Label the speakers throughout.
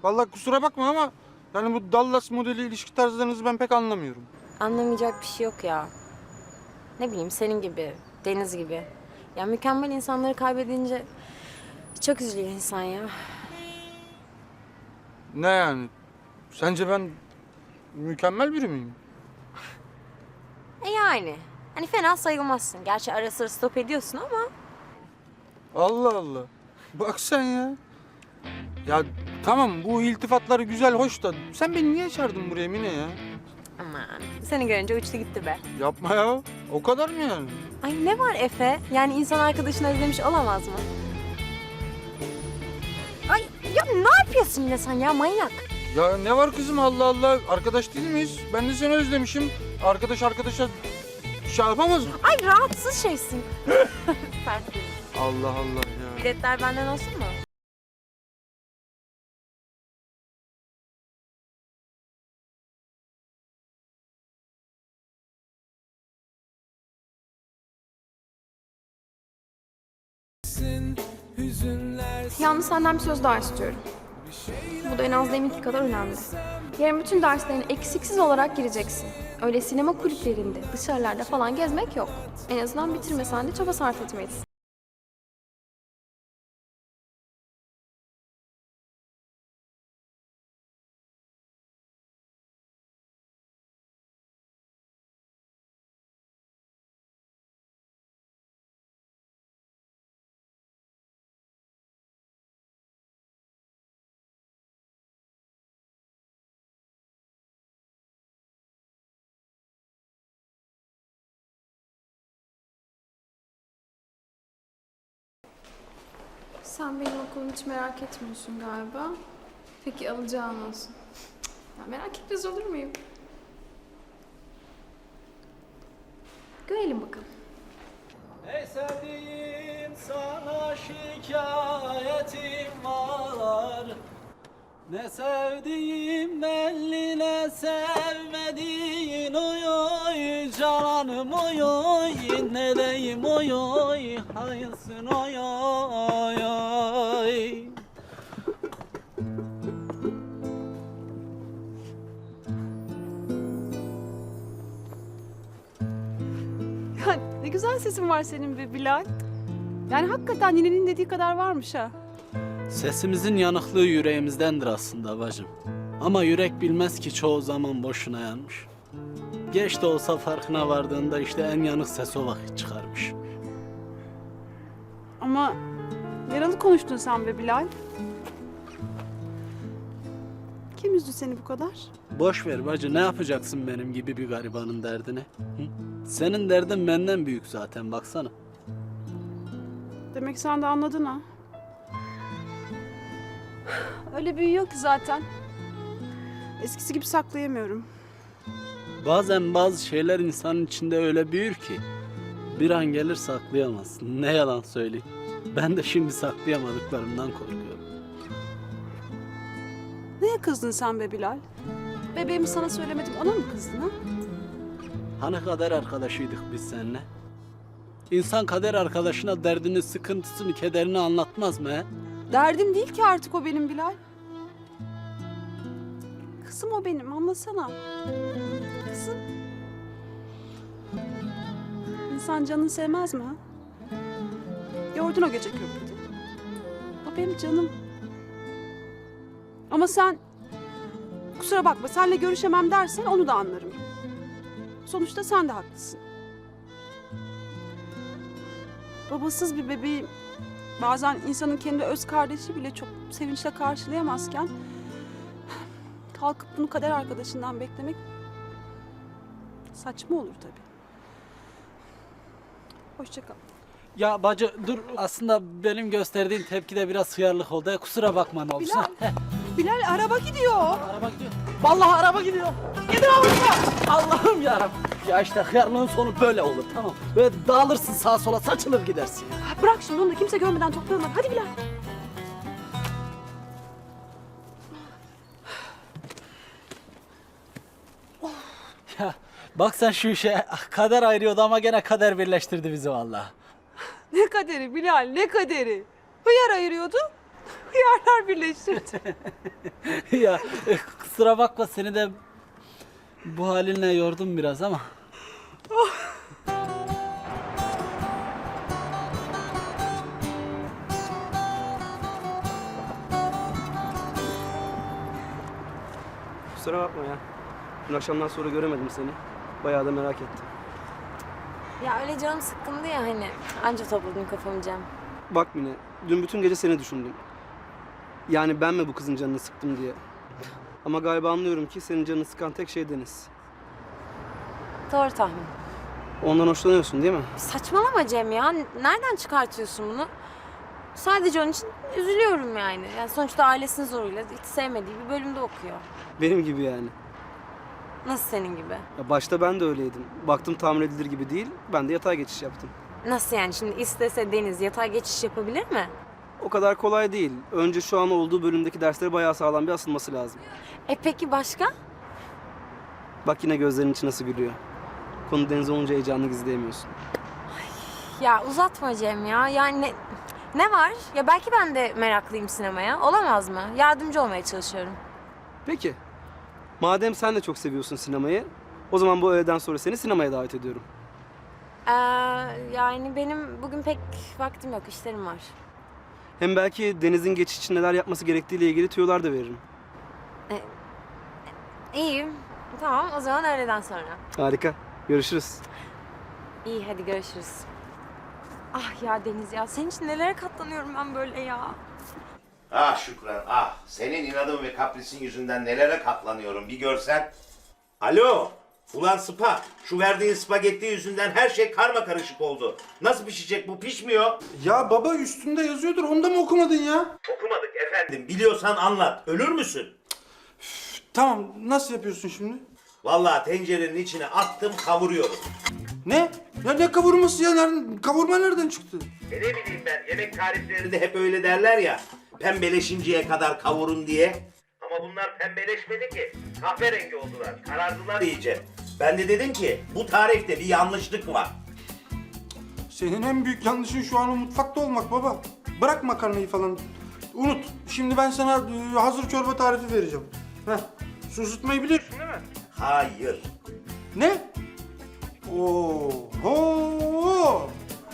Speaker 1: Vallahi kusura bakma ama yani bu Dallas modeli ilişki tarzlarınızı ben pek anlamıyorum.
Speaker 2: Anlamayacak bir şey yok ya. Ne bileyim senin gibi, Deniz gibi. Ya mükemmel insanları kaybedince çok üzülüyor insan ya.
Speaker 1: Ne yani? Sence ben mükemmel biri miyim?
Speaker 2: Yani. Hani fena sayılmazsın. Gerçi ara sıra stop ediyorsun ama.
Speaker 1: Allah Allah. Bak sen ya. Ya tamam bu iltifatları güzel hoş da sen beni niye çağırdın buraya Mine ya?
Speaker 2: Aman. Seni görünce uçtu gitti be.
Speaker 1: Yapma ya. O kadar mı yani?
Speaker 2: Ay ne var Efe? Yani insan arkadaşını özlemiş olamaz mı? Ay ya ne yapıyorsun yine sen ya manyak?
Speaker 1: Ya ne var kızım Allah Allah. Arkadaş değil miyiz? Ben de seni özlemişim. Arkadaş arkadaşa şey yapamaz mı?
Speaker 2: Ay rahatsız şeysin. Sert.
Speaker 1: Allah Allah ya.
Speaker 2: Biletler benden olsun mu?
Speaker 3: Yalnız senden bir söz daha istiyorum. Bu da en az deminki kadar önemli. Yarın bütün derslerini eksiksiz olarak gireceksin. Öyle sinema kulüplerinde, dışarılarda falan gezmek yok. En azından bitirmesen de çaba sarf etmelisin. Sen benim okulumu hiç merak etmiyorsun galiba. Peki alacağın olsun. Ya merak etmez olur muyum? Görelim bakalım.
Speaker 4: Ey sevdiğim sana şikayetim var. Ne sevdiğim belli ne sevmediğin oy oy cananım oy oy ne deyim oy oy hayırsın oy oy oy.
Speaker 5: Ya ne güzel sesin var senin be Bilal. Yani hakikaten ninenin dediği kadar varmış ha.
Speaker 4: Sesimizin yanıklığı yüreğimizdendir aslında bacım. Ama yürek bilmez ki çoğu zaman boşuna yanmış. Geç de olsa farkına vardığında işte en yanık ses o vakit çıkarmış.
Speaker 5: Ama yaralı konuştun sen be Bilal. Kim üzdü seni bu kadar?
Speaker 4: Boş ver bacı, ne yapacaksın benim gibi bir garibanın derdini? Hı? Senin derdin benden büyük zaten, baksana.
Speaker 5: Demek sen de anladın ha. Öyle büyüyor ki zaten. Eskisi gibi saklayamıyorum.
Speaker 4: Bazen bazı şeyler insanın içinde öyle büyür ki bir an gelir saklayamazsın. Ne yalan söyleyeyim. Ben de şimdi saklayamadıklarımdan korkuyorum.
Speaker 5: Neye kızdın sen be Bilal? Bebeğimi sana söylemedim, ona mı kızdın ha?
Speaker 4: Hani kader arkadaşıydık biz seninle? İnsan kader arkadaşına derdini, sıkıntısını, kederini anlatmaz mı he?
Speaker 5: Derdim değil ki artık o benim Bilal. Kızım o benim, anlasana. Kızım. İnsan canını sevmez mi ha? Gördün o gece köprüde. O benim canım. Ama sen, kusura bakma, seninle görüşemem dersen onu da anlarım. Sonuçta sen de haklısın. Babasız bir bebeği bazen insanın kendi öz kardeşi bile çok sevinçle karşılayamazken kalkıp bunu kader arkadaşından beklemek saçma olur tabii. Hoşça kal.
Speaker 4: Ya bacı dur, aslında benim gösterdiğim tepkide biraz hıyarlık oldu. Kusura bakma ne olursa.
Speaker 5: Bilal, Bilal araba gidiyor.
Speaker 4: Araba gidiyor. Vallahi araba gidiyor. Gidiyor Allah'ım yarabbim. Ya işte hıyarlığın sonu böyle olur, tamam. Böyle dağılırsın sağa sola, saçılır gidersin.
Speaker 5: Ha, bırak şimdi onu da kimse görmeden toplayalım. Hadi Bilal.
Speaker 4: Ya bak sen şu işe, kader ayırıyordu ama gene kader birleştirdi bizi vallahi.
Speaker 5: Ne kaderi Bilal, ne kaderi. Hıyar ayırıyordu, hıyarlar birleştirdi.
Speaker 4: Ya kusura bakma seni de bu halinle yordum biraz ama.
Speaker 6: Kusura bakma ya. Dün akşamdan sonra göremedim seni. Bayağı da merak ettim.
Speaker 2: Ya öyle canım sıkkındı ya hani. Anca topladım kafamı Cem.
Speaker 6: Bak Mine, dün bütün gece seni düşündüm. Yani ben mi bu kızın canını sıktım diye. Ama galiba anlıyorum ki senin canını sıkan tek şey Deniz.
Speaker 2: Doğru tahmin.
Speaker 6: Ondan hoşlanıyorsun değil mi?
Speaker 2: Saçmalama Cem ya. Nereden çıkartıyorsun bunu? Sadece onun için üzülüyorum yani. Yani sonuçta ailesinin zoruyla hiç sevmediği bir bölümde okuyor.
Speaker 6: Benim gibi yani.
Speaker 2: Nasıl senin gibi?
Speaker 6: Ya başta ben de öyleydim. Baktım tahmin edilir gibi değil, ben de yatay geçiş yaptım.
Speaker 2: Nasıl yani? Şimdi istese Deniz yatay geçiş yapabilir mi?
Speaker 6: O kadar kolay değil. Önce şu an olduğu bölümdeki derslere bayağı sağlam bir asılması lazım.
Speaker 2: Peki başka?
Speaker 6: Bak yine gözlerinin içi nasıl gülüyor. Konu Deniz olunca heyecanını gizleyemiyorsun.
Speaker 2: Ya uzatma Cem ya. Yani ne var? Ya belki ben de meraklıyım sinemaya. Olamaz mı? Yardımcı olmaya çalışıyorum.
Speaker 6: Peki. Madem sen de çok seviyorsun sinemayı, o zaman bu öğleden sonra seni sinemaya davet ediyorum.
Speaker 2: Yani benim bugün pek vaktim yok. İşlerim var.
Speaker 6: Hem belki Deniz'in geçiş için neler yapması gerektiğiyle ilgili tüyolar da veririm.
Speaker 2: İyi. Tamam o zaman öğleden sonra.
Speaker 6: Harika. Görüşürüz.
Speaker 2: İyi hadi görüşürüz. Ah ya Deniz ya. Senin için nelere katlanıyorum ben böyle ya.
Speaker 7: Ah Şükran, ah. Senin inadın ve kaprisin yüzünden nelere katlanıyorum bir görsen. Alo, ulan Sıpa. Şu verdiğin spagetti yüzünden her şey karma karışık oldu. Nasıl pişecek bu, pişmiyor?
Speaker 1: Ya baba üstünde yazıyordur. Onu da mı okumadın ya?
Speaker 7: Okumadık efendim, biliyorsan anlat. Ölür müsün?
Speaker 1: Tamam. Nasıl yapıyorsun şimdi?
Speaker 7: Vallahi tencerenin içine attım, kavuruyorum.
Speaker 1: Ne? Ya ne kavurması ya? Nereden, kavurma nereden çıktı?
Speaker 7: Ne bileyim ben, yemek tariflerinde hep öyle derler ya. Pembeleşinceye kadar kavurun diye. Ama bunlar pembeleşmedi ki. Kahverengi oldular, karardılar iyice. Ben de dedim ki, bu tarifte bir yanlışlık var.
Speaker 1: Senin en büyük yanlışın şu an o mutfakta olmak baba. Bırak makarnayı falan. Unut. Şimdi ben sana hazır çorba tarifi vereceğim. Heh. Su ısıtmayı biliyorsun değil mi?
Speaker 7: Hayır.
Speaker 1: Ne? Oho!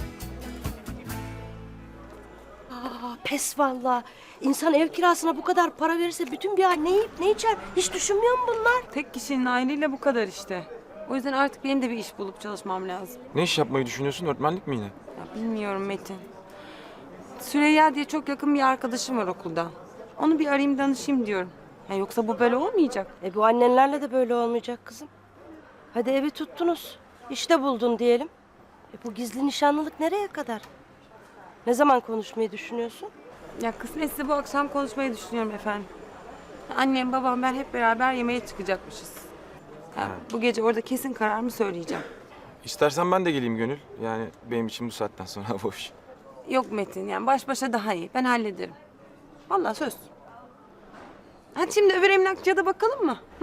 Speaker 8: Pes valla. İnsan ev kirasına bu kadar para verirse bütün bir ay ne yiyip ne içer? Hiç düşünmüyor mu bunlar?
Speaker 9: Tek kişinin aileyle bu kadar işte. O yüzden artık benim de bir iş bulup çalışmam lazım.
Speaker 10: Ne iş yapmayı düşünüyorsun? Öğretmenlik mi yine?
Speaker 9: Ya bilmiyorum Metin. Süreyya diye çok yakın bir arkadaşım var okulda. Onu bir arayayım danışayım diyorum. Ya yoksa bu böyle olmayacak.
Speaker 8: Bu annenlerle de böyle olmayacak kızım. Hadi evi tuttunuz. İşte buldun diyelim. Bu gizli nişanlılık nereye kadar? Ne zaman konuşmayı düşünüyorsun?
Speaker 9: Ya kısmetse bu akşam konuşmayı düşünüyorum efendim. Annem, babam, ben hep beraber yemeğe çıkacakmışız. Ya bu gece orada kesin kararımı söyleyeceğim.
Speaker 10: İstersen ben de geleyim Gönül. Yani benim için bu saatten sonra boş.
Speaker 9: Yok Metin, yani baş başa daha iyi. Ben hallederim. Vallahi söz. Hadi şimdi öbür emlakçıya da bakalım mı? Hı?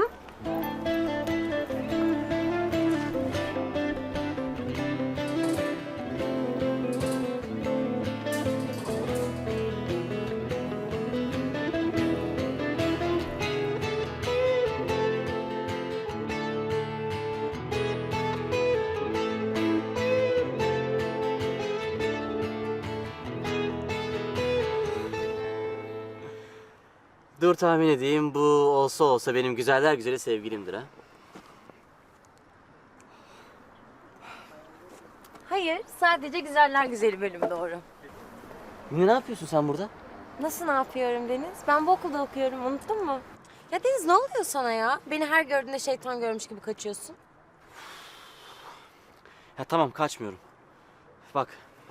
Speaker 11: Dur tahmin edeyim. Bu olsa olsa benim güzeller güzeli sevgilimdir ha.
Speaker 2: Hayır sadece güzeller güzeli bölümü doğru.
Speaker 11: Ne yapıyorsun sen burada?
Speaker 2: Nasıl ne yapıyorum Deniz? Ben bu okulda okuyorum unuttun mu? Ya Deniz ne oluyor sana ya? Beni her gördüğünde şeytan görmüş gibi kaçıyorsun.
Speaker 11: Ya tamam kaçmıyorum. Bak.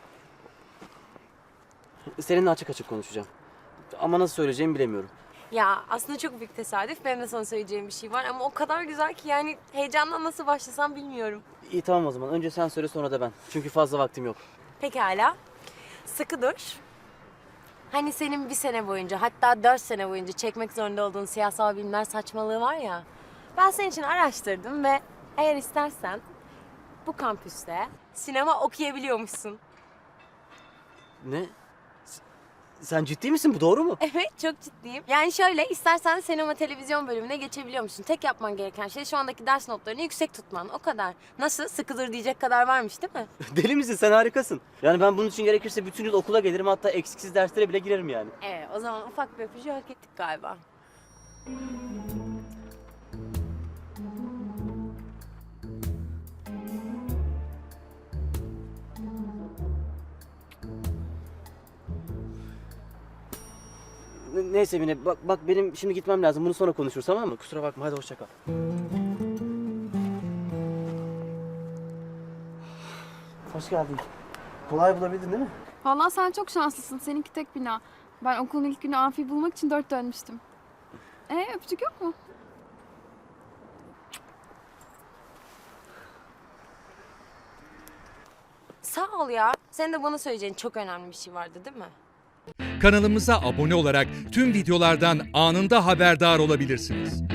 Speaker 11: Seninle açık açık konuşacağım. Ama nasıl söyleyeceğimi bilemiyorum.
Speaker 2: Ya aslında çok büyük tesadüf. Benim de sana söyleyeceğim bir şey var ama o kadar güzel ki yani heyecandan nasıl başlasam bilmiyorum.
Speaker 11: İyi tamam o zaman. Önce sen söyle sonra da ben. Çünkü fazla vaktim yok.
Speaker 2: Pekala. Sıkı dur. Hani senin bir sene boyunca hatta 4 sene boyunca çekmek zorunda olduğun siyasal bilimler saçmalığı var ya. Ben senin için araştırdım ve eğer istersen bu kampüste sinema okuyabiliyormuşsun.
Speaker 11: Ne? Sen ciddi misin? Bu doğru mu?
Speaker 2: Evet, çok ciddiyim. Yani şöyle, istersen sinema televizyon bölümüne geçebiliyor musun? Tek yapman gereken şey şu andaki ders notlarını yüksek tutman. O kadar. Nasıl? Sıkıdır diyecek kadar varmış değil mi?
Speaker 11: Deli misin? Sen harikasın. Yani ben bunun için gerekirse bütün yıl okula gelirim. Hatta eksiksiz derslere bile girerim yani.
Speaker 2: O zaman ufak bir öpücüğü hak ettik galiba.
Speaker 11: Neyse Mine, bak benim şimdi gitmem lazım. Bunu sonra konuşuruz, tamam mı? Kusura bakma, hadi hoşça kal. Hoş geldin. Kolay bulabildin değil mi?
Speaker 3: Vallahi sen çok şanslısın. Seninki tek bina. Ben okulun ilk günü amfi bulmak için 4 dönmüştüm. Öpücük yok mu?
Speaker 2: Sağ ol ya. Senin de bana söyleyeceğin çok önemli bir şey vardı değil mi?
Speaker 12: Kanalımıza abone olarak tüm videolardan anında haberdar olabilirsiniz.